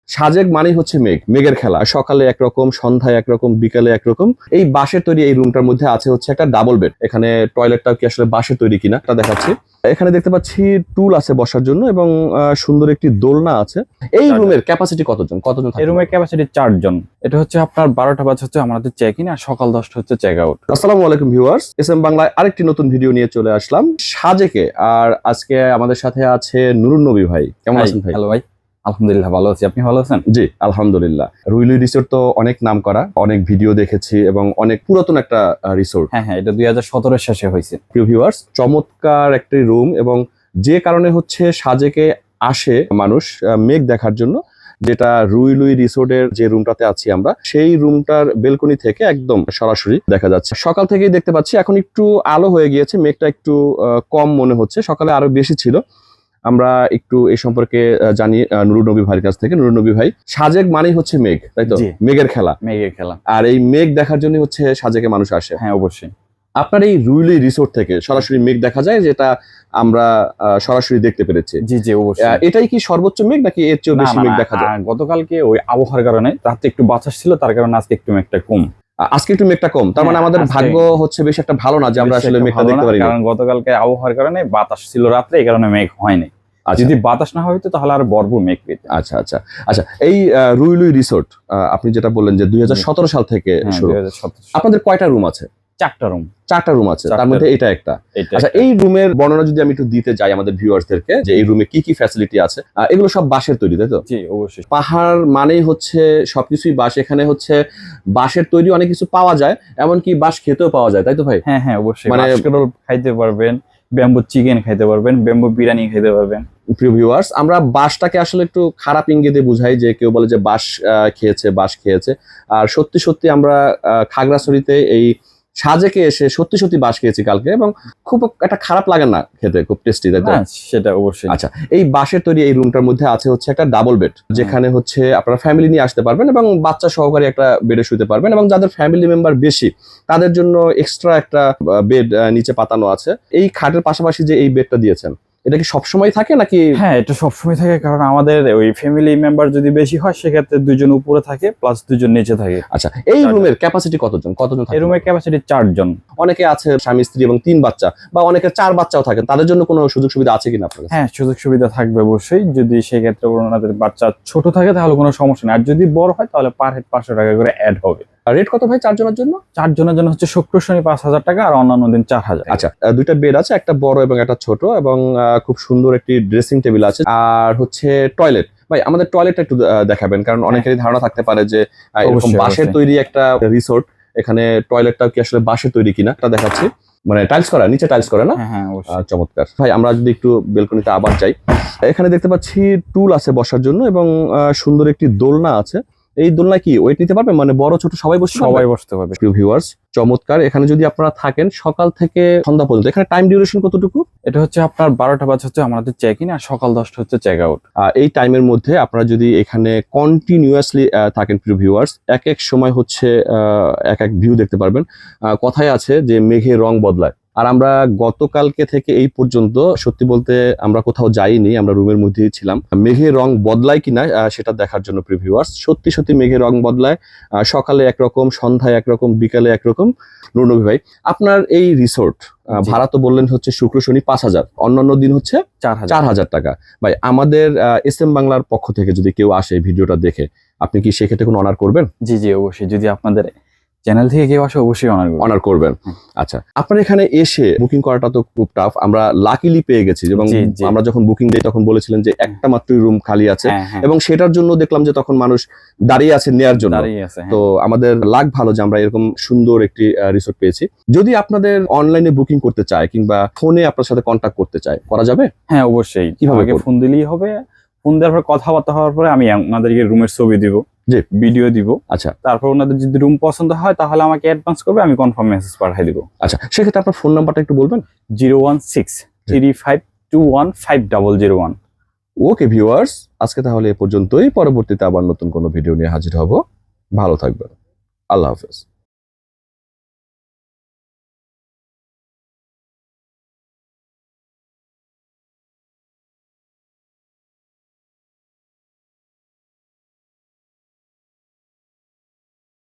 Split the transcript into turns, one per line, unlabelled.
সাজেক মানেই হচ্ছে মেঘ, মেঘের খেলা। সকালে একরকম, সন্ধ্যায় একরকম, বিকালে একরকম। এই বাঁশের তৈরি এই রুমটার মধ্যে আছে হচ্ছে একটা ডাবল বেড। এখানে টয়লেটটাও কি আসলে বাঁশের তৈরি কিনা তা দেখাচ্ছি। এখানে দেখতে পাচ্ছি টুল আছে বসার জন্য এবং সুন্দর একটি দোলনা আছে। এই রুমের ক্যাপাসিটি কতজন?
এই রুমের ক্যাপাসিটি 4 জন। এটা হচ্ছে আপনার 12টা বাজে হচ্ছে আমাদের চেক ইন, আর সকাল 10টা হচ্ছে চেক আউট।
আসসালামু আলাইকুম ভিউয়ার্স, এসএম বাংলায় আরেকটি নতুন ভিডিও নিয়ে চলে আসলাম সাজেকে। আর আজকে আমাদের সাথে আছে নুরুন নবী ভাই। কেমন আছেন ভাই?
হ্যালো ভাই, আলহামদুলিল্লাহ ভালো আছি। আপনি ভালো আছেন?
জি আলহামদুলিল্লাহ। রুইলুই রিসোর্ট তো অনেক নাম করা, অনেক ভিডিও দেখেছি এবং অনেক পুরাতন একটা রিসোর্ট।
হ্যাঁ, এটা 2017 শেষে হয়েছে।
প্রিয় ভিউয়ার্স, চমৎকার একটি রুম এবং যে কারণে হচ্ছে সাজেকে আসে মানুষ মেঘ দেখার জন্য, যেটা রুইলুই রিসোর্টের যে রুমটাতে আছি আমরা, সেই রুমটার বেলকনি থেকে একদম সরাসরি দেখা যাচ্ছে। সকাল থেকেই দেখতে পাচ্ছি, এখন একটু আলো হয়ে গিয়েছে, মেঘটা একটু কম মনে হচ্ছে, সকালে আরো বেশি ছিল। আমরা একটু এই সম্পর্কে জানি নুরুন নবী ভাইয়ের কাছ থেকে। নুরুন নবী ভাই, সাজেক মানেই হচ্ছে মেঘ, তাই তো? মেঘের খেলা।
মেঘের খেলা।
আর এই মেঘ দেখার জন্য হচ্ছে সাজেকে মানুষ আসে।
হ্যাঁ অবশ্যই।
আপনার এই রুইলুই রিসোর্ট থেকে সরাসরি মেঘ দেখা যায়, যেটা আমরা সরাসরি দেখতে পেরেছি।
জি জি অবশ্যই।
এটাই কি সর্বোচ্চ মেঘ নাকি এর চেয়েও বেশি মেঘ দেখা যায়?
গতকালকে ওই আবহাওয়ার কারণে রাতে একটু বাতাস ছিল, তার কারণে আজকে একটু মেঘটা কম।
আজকে একটু মেঘটা কম, তার মানে আমাদের ভাগ্য হচ্ছে বেশি একটা ভালো না যে আমরা আসলে মেঘটা দেখতে পারি।
কারণ গতকালকে আবহাওয়ার কারণে বাতাস ছিল রাত্রে, এই কারণে মেঘ হয়নি। যদি বাতাস না হইতো তাহলে আর ভরপুর মেঘ পেত।
আচ্ছা আচ্ছা আচ্ছা। এই রুইলুই রিসোর্ট আপনি যেটা বললেন যে 2017 সাল থেকে শুরু, আপনাদের কয়টা রুম আছে? 4টা রুম আছে, তার মধ্যে এটা একটা। আচ্ছা, এই রুমের বর্ণনা যদি আমি একটু দিতে যাই আমাদের ভিউয়ার্সদেরকে, যে এই রুমে কি কি ফ্যাসিলিটি আছে। এগুলো সব বাঁশের তৈরি, তাই তো?
জি অবশ্যই।
পাহাড় মানেই হচ্ছে সবকিছুই বাঁশ। এখানে হচ্ছে বাঁশের তৈরি অনেক কিছু পাওয়া যায়, এমনকি বাঁশ খেতেও পাওয়া যায়, তাই তো ভাই?
হ্যাঁ হ্যাঁ অবশ্যই। মানে খাইতে পারবেন, ব্যাম্বু চিকেন খাইতে পারবেন, ব্যাম্বু বিরিয়ানি খাইতে পারবেন।
প্রিয় ভিউয়ার্স, আমরা বাঁশটাকে আসলে একটু খারাপ ইঙ্গিতে বুঝাই, যে কেউ বলে যে বাঁশ খেয়েছে। আর সত্যি সত্যি আমরা খাগড়াছড়িতে এই সাজেকে এসে সত্যি সত্যি বাঁশ খেয়েছি কালকে, এবং খুব একটা খারাপ লাগে না খেতে, খুব টেস্টি, তাই তো?
সেটা অবশ্যই।
আচ্ছা, এই বাঁশের তৈরি এই রুমটার মধ্যে আছে হচ্ছে একটা ডাবল বেড, যেখানে হচ্ছে আপনারা ফ্যামিলি নিয়ে আসতে পারবেন এবং বাচ্চা সহকারে একটা বেডে শুতে পারবেন, এবং যাদের ফ্যামিলি মেম্বার বেশি তাদের জন্য এক্সট্রা একটা বেড নিচে পাতানো আছে। এই খাটের পাশাপাশি যে এই বেডটা দিয়েছেন, এটা কি সবসময় থাকে নাকি?
হ্যাঁ, এটা সবসময় থাকে, কারণ আমাদের ওই ফ্যামিলি মেম্বার যদি বেশি হয় সেক্ষেত্রে 2 জন উপরে থাকে প্লাস 2 জন নিচে থাকে।
আচ্ছা, এই রুমের ক্যাপাসিটি কতজন থাকে?
এই রুমের ক্যাপাসিটি 4 জন।
অনেকে আছে স্বামী স্ত্রী এবং 3 বাচ্চা, বা অনেকে 4 বাচ্চাও থাকে, তাদের জন্য কোনো সুযোগ সুবিধা আছে কিনা আপনার কাছে?
হ্যাঁ, সুযোগ সুবিধা থাকবে অবশ্যই। যদি সেই ক্ষেত্রে ওনাদের বাচ্চা ছোট থাকে তাহলে কোনো সমস্যা নেই, আর যদি বড় হয় তাহলে পার হেড 500 টাকা করে অ্যাড হবে।
রেট কত ভাই 4 জনের জন্য?
4 জনের জন্য হচ্ছে শুক্র শনি 5000 টাকা, আর অন্যান্য দিন 4000।
আচ্ছা, 2টা বেড আছে, একটা বড় এবং একটা ছোট, এবং খুব সুন্দর একটি ড্রেসিং টেবিল আছে, আর হচ্ছে টয়লেট। ভাই, আমাদের টয়লেটটা একটু দেখাবেন, কারণ অনেকেরই ধারণা থাকতে পারে যে এরকম বাঁশের তৈরি একটা রিসোর্ট, এখানে টয়লেটটাও কি আসলে বাঁশের তৈরি কিনা তা দেখাচ্ছি। মানে টাইলস করা, নিচে টাইলস করা না?
হ্যাঁ অবশ্যই।
চমৎকার ভাই। আমরা যদি একটু বেলকনিতে আবার যাই, এখানে দেখতে পাচ্ছি টুল আছে বসার জন্য এবং সুন্দর একটি দোলনা আছে। এই দোলনায় কি ওয়েট নিতে পারবে? মানে বড় ছোট সবাই বসতে পারবে। প্রিয় ভিউয়ার্স, চমৎকার। এখানে যদি আপনারা থাকেন সকাল থেকে সন্ধ্যা পর্যন্ত, এখানে টাইম ডিউরেশন কতটুকু?
এটা হচ্ছে আপনার 12টা বাজে হচ্ছে আমাদের চেক ইন, আর সকাল 10টা হচ্ছে চেক আউট।
এই টাইমের মধ্যে আপনারা যদি এখানে কন্টিনিউয়াসলি থাকেন প্রিয় ভিউয়ার্স, এক এক সময় হচ্ছে এক এক ভিউ দেখতে পারবেন। কথায় আছে যে মেঘের রং বদলায়, আর আমরা গতকালকে থেকে এই পর্যন্ত সত্যি বলতে আমরা কোথাও যাইনি, আমরা রুমের মধ্যেই ছিলাম। মেঘের রং বদলায় কিনা সেটা দেখার জন্য প্রিয় ভিউয়ার্স, সত্যি সত্যি মেঘের রং বদলায়। সকালে একরকম, সন্ধ্যায় একরকম, বিকালে একরকম। নুরুন নবী ভাই, আপনার এই রিসোর্ট ভাড়া তো বললেন হচ্ছে শুক্র শনি 5000, অন্যান্য দিন হচ্ছে 4000 টাকা। ভাই, আমাদের এসএম বাংলার পক্ষ থেকে যদি কেউ আসে ভিডিওটা দেখে, আপনি কি সেক্ষেত্রে কোনো অনার করবেন?
জি জি অবশ্যই। যদি আপনাদের চ্যানেল থেকে কেউ আসে অবশ্যই অনার করবেন।
আচ্ছা, আপনার এখানে এসে বুকিং করাটা তো খুব টাফ, আমরা লাকিলি পেয়ে গেছি, এবং আমরা যখন বুকিং দিই তখন বলেছিলেন যে একটা মাত্রই রুম খালি আছে, এবং সেটার জন্য দেখলাম যে তখন মানুষ দাঁড়িয়ে আছে নেয়ার জন্য। তো আমাদের লাক ভালো যে আমরা এরকম সুন্দর একটি রিসোর্ট পেয়েছি। যদি আপনাদের অনলাইনে বুকিং করতে চায় কিংবা ফোনে আপনার সাথে কন্ট্যাক্ট করতে চায়, করা যাবে?
হ্যাঁ অবশ্যই।
কিভাবে?
ফোন দিলেই হবে। ফোন দেওয়ার পর কথাবার্তা হওয়ার পরে আমি আপনাদেরকে রুমের ছবি দিব, ভিডিও দিব। আচ্ছা, তারপর ওনাদের যদি রুম পছন্দ হয় তাহলে আমাকে অ্যাডভান্স করবে, আমি কনফার্ম মেসেজ পাঠিয়ে দিব।
আচ্ছা, সেক্ষেত্রে আপনার ফোন নাম্বারটা একটু বলবেন।
01635215001।
ওকে ভিউয়ার্স, আজকে তাহলে এ পর্যন্তই। পরবর্তীতে আবার নতুন কোনো ভিডিও নিয়ে হাজির হব। ভালো থাকবেন। আল্লাহ হাফেজ।